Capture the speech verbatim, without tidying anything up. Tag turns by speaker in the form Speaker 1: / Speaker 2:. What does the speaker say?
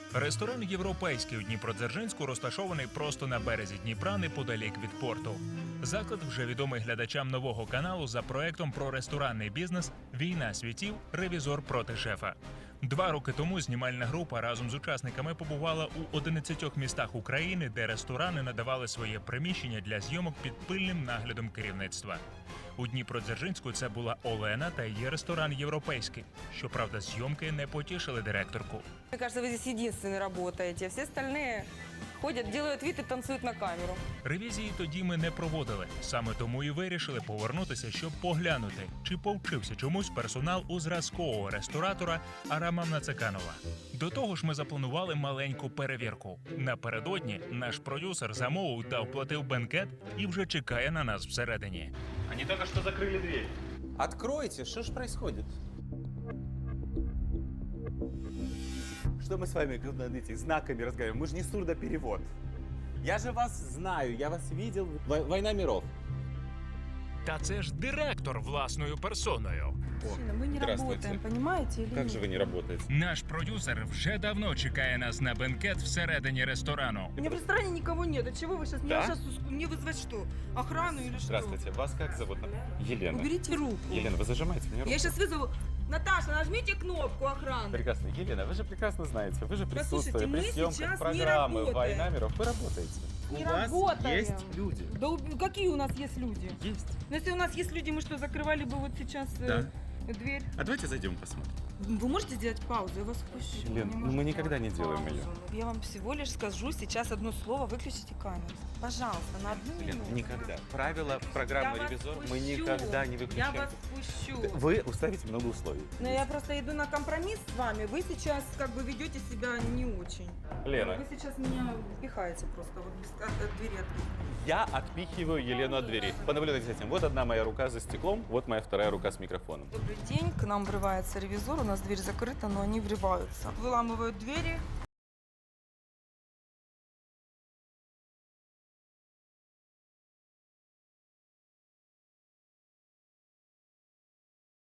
Speaker 1: Ресторан «Європейський» у Дніпродзержинську розташований просто на березі Дніпра неподалік від порту. Заклад вже відомий глядачам нового каналу за проектом про ресторанний бізнес «Війна світів. Ревізор проти шефа». Два роки тому знімальна група разом з учасниками побувала у одинадцятьох містах України, де ресторани надавали своє приміщення для зйомок під пильним наглядом керівництва. У Дніпродзержинську це була Олена та її ресторан «Європейський». Щоправда, зйомки не потішили директорку.
Speaker 2: Мне кажется, вы здесь единственный работаете. Все остальные ходят, делают вид и танцуют на камеру.
Speaker 1: Ревізії тоді ми не проводили. Саме тому і вирішили повернутися, щоб поглянути, чи повчився чомусь персонал у зразкового ресторатора Арама Нацеканова. До того ж, ми запланували маленьку перевірку. Напередодні наш продюсер замовив та оплатив бенкет і вже чекає на нас всередині.
Speaker 3: Они только что закрыли дверь.
Speaker 4: Откройте, что ж происходит? Что мы с вами над этими знаками разговариваем? Мы же не сурдоперевод. Я же вас знаю, я вас видел. Вой- Война миров.
Speaker 1: Та це ж директор власною персоною.
Speaker 5: Мужчина, мы не
Speaker 4: Здравствуйте.
Speaker 5: работаем, понимаете или
Speaker 4: Как
Speaker 5: нет?
Speaker 4: же вы не работаете?
Speaker 1: Наш продюсер вже давно чекає нас на бенкет всередині ресторану.
Speaker 5: У меня в ресторане никого нет. От чего вы сейчас?
Speaker 4: Да?
Speaker 5: Меня сейчас мне вызвать что? Охрану или что?
Speaker 4: Здравствуйте, вас как зовут? Елена.
Speaker 5: Уберите руку.
Speaker 4: Елена, вы зажимаете мне руку?
Speaker 5: Я сейчас вызову. Наташа, нажмите кнопку охраны.
Speaker 4: Прекрасно. Елена, вы же прекрасно знаете, вы же
Speaker 5: Послушайте,
Speaker 4: присутствуете при
Speaker 5: мы
Speaker 4: съемках
Speaker 5: сейчас не
Speaker 4: программы
Speaker 5: работаем.
Speaker 4: «Война миров». Вы работаете.
Speaker 5: Не
Speaker 4: У вас
Speaker 5: работаем.
Speaker 4: есть люди.
Speaker 5: Да уб- какие у нас есть люди?
Speaker 4: Есть.
Speaker 5: Ну если у нас есть люди, мы что, закрывали бы вот сейчас э, дверь?
Speaker 4: А давайте зайдем посмотрим.
Speaker 5: Вы можете сделать паузу? Я вас пущу.
Speaker 4: Лен,
Speaker 5: Вы
Speaker 4: ну
Speaker 5: можете
Speaker 4: мы никогда не
Speaker 5: сделать
Speaker 4: делаем
Speaker 5: паузу? Я вам всего лишь скажу сейчас одно слово, выключите камеру. Пожалуйста, на одну
Speaker 4: Лен,
Speaker 5: минуту.
Speaker 4: никогда. Правила
Speaker 5: Я
Speaker 4: программы
Speaker 5: вас
Speaker 4: «Ревизор» мы
Speaker 5: пущу.
Speaker 4: никогда не выключаем.
Speaker 5: Я вас пущу.
Speaker 4: Вы уставите много условий.
Speaker 5: Но я просто иду на компромисс с вами. Вы сейчас как бы ведете себя не очень.
Speaker 4: Лена,
Speaker 5: Вы сейчас меня впихаете просто вот без от, от двери открытой.
Speaker 4: я отпихиваю Елену от двери. Понаблюдайте за этим. Вот одна моя рука за стеклом, вот моя вторая рука с микрофоном.
Speaker 5: Добрый день. К нам врывается ревизор. У нас дверь закрыта, но они врываются. Выламывают двери,